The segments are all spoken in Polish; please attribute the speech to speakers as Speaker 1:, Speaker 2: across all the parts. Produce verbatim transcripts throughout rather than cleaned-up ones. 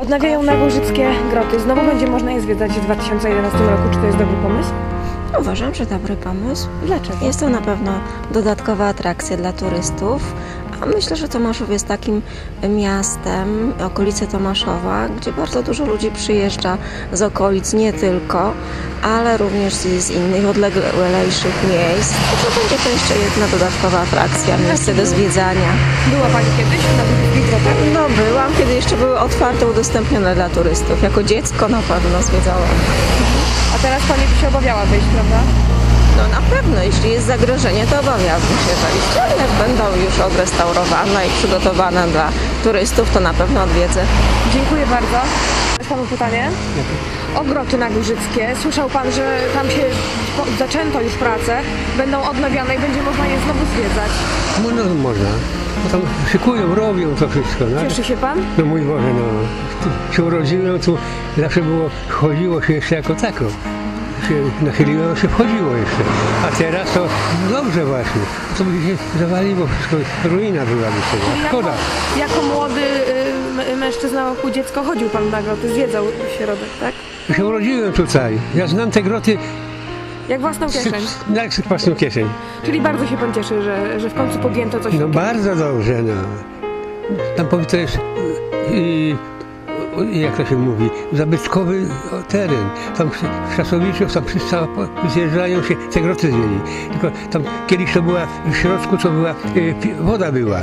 Speaker 1: Odnawiają Nagórzyckie groty. Znowu będzie można je zwiedzać w dwa tysiące jedenastym roku. Czy to jest dobry pomysł?
Speaker 2: Uważam, że dobry pomysł.
Speaker 1: Dlaczego?
Speaker 2: Jest to na pewno dodatkowa atrakcja dla turystów, a myślę, że Tomaszów jest takim miastem, okolice Tomaszowa, gdzie bardzo dużo ludzi przyjeżdża z okolic, nie tylko, ale również z, z innych odleglejszych miejsc. To będzie to jeszcze jedna dodatkowa atrakcja, miejsce do zwiedzania.
Speaker 1: Była Pani kiedyś na Nagórzyckich grotach?
Speaker 2: No byłam, kiedy jeszcze były otwarte, udostępnione dla turystów. Jako dziecko na pewno zwiedzałam.
Speaker 1: A teraz Pani by się obawiała wejść, prawda?
Speaker 2: No na pewno, jeśli jest zagrożenie, to obawiałabym się wejść, ale jak będą już odrestaurowane i przygotowane dla turystów, to na pewno odwiedzę.
Speaker 1: Dziękuję bardzo. Jest Panu pytanie? O groty Nagórzyckie. Słyszał Pan, że tam się po- zaczęto już pracę, będą odnawiane i będzie można je znowu zwiedzać.
Speaker 3: No, no można. No tam szykują, robią to wszystko. No,
Speaker 1: Cieszy się Pan?
Speaker 3: no mój Boże, no. Tu się urodziłem, tu zawsze było, chodziło się jeszcze jako tako. Się nachyliło, się wchodziło jeszcze. A teraz to dobrze właśnie. To by się zawaliło wszystko. Ruina byłaby tego. Szkoda.
Speaker 1: Jako, jako młody y, m- mężczyzna wokół dziecko chodził Pan na groty, zwiedzał środek, tak?
Speaker 3: Ja się urodziłem tutaj. Ja znam te groty
Speaker 1: Jak własną kieszeń.
Speaker 3: jak z własną kieszeń.
Speaker 1: Czyli bardzo się Pan cieszy, że, że w końcu podjęto coś
Speaker 3: No
Speaker 1: takiego.
Speaker 3: bardzo dobrze, no. Tam powie to jest, yy, jak to się mówi, zabytkowy teren. Tam w Czasowiczu, tam wszyscy zjeżdżają się, te groty zwiedzić. Tylko tam kiedyś to była, w środku to była, yy, pi- woda była.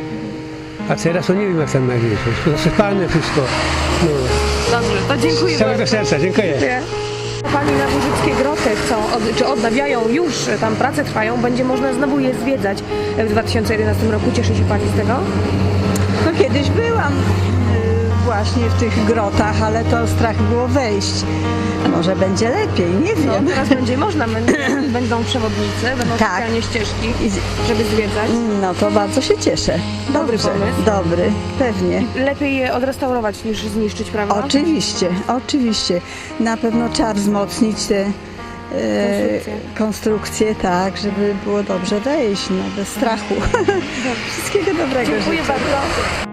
Speaker 3: A teraz to nie wiem jak tam na górze. Wszystko zasypane, wszystko. No.
Speaker 1: Dobrze, to dziękuję
Speaker 3: Z całego
Speaker 1: bardzo.
Speaker 3: serca, dziękuję.
Speaker 1: Dziękuję. Pani Nagórzyckie groty chcą, od, czy odnawiają już, tam prace trwają, będzie można znowu je zwiedzać w dwa tysiące jedenastym roku. Cieszy się Pani z tego?
Speaker 4: No kiedyś byłam y, właśnie w tych grotach, ale to strach było wejść. Może będzie lepiej, nie
Speaker 1: No,
Speaker 4: wiem.
Speaker 1: teraz będzie można, będą, będą przewodnicy, będą
Speaker 4: Tak.
Speaker 1: specjalnie ścieżki,
Speaker 4: I-
Speaker 1: żeby zwiedzać.
Speaker 4: No to bardzo się cieszę.
Speaker 1: Dobry
Speaker 4: Dobrze,
Speaker 1: pomysł.
Speaker 4: dobry, pewnie.
Speaker 1: Lepiej je odrestaurować niż zniszczyć, prawda?
Speaker 4: Oczywiście, oczywiście. Na pewno trzeba wzmocnić te e,
Speaker 1: Konstrukcje.
Speaker 4: konstrukcje, tak, żeby było dobrze wejść, no bez strachu. Wszystkiego dobrego
Speaker 1: Dziękuję
Speaker 4: życzę.
Speaker 1: bardzo.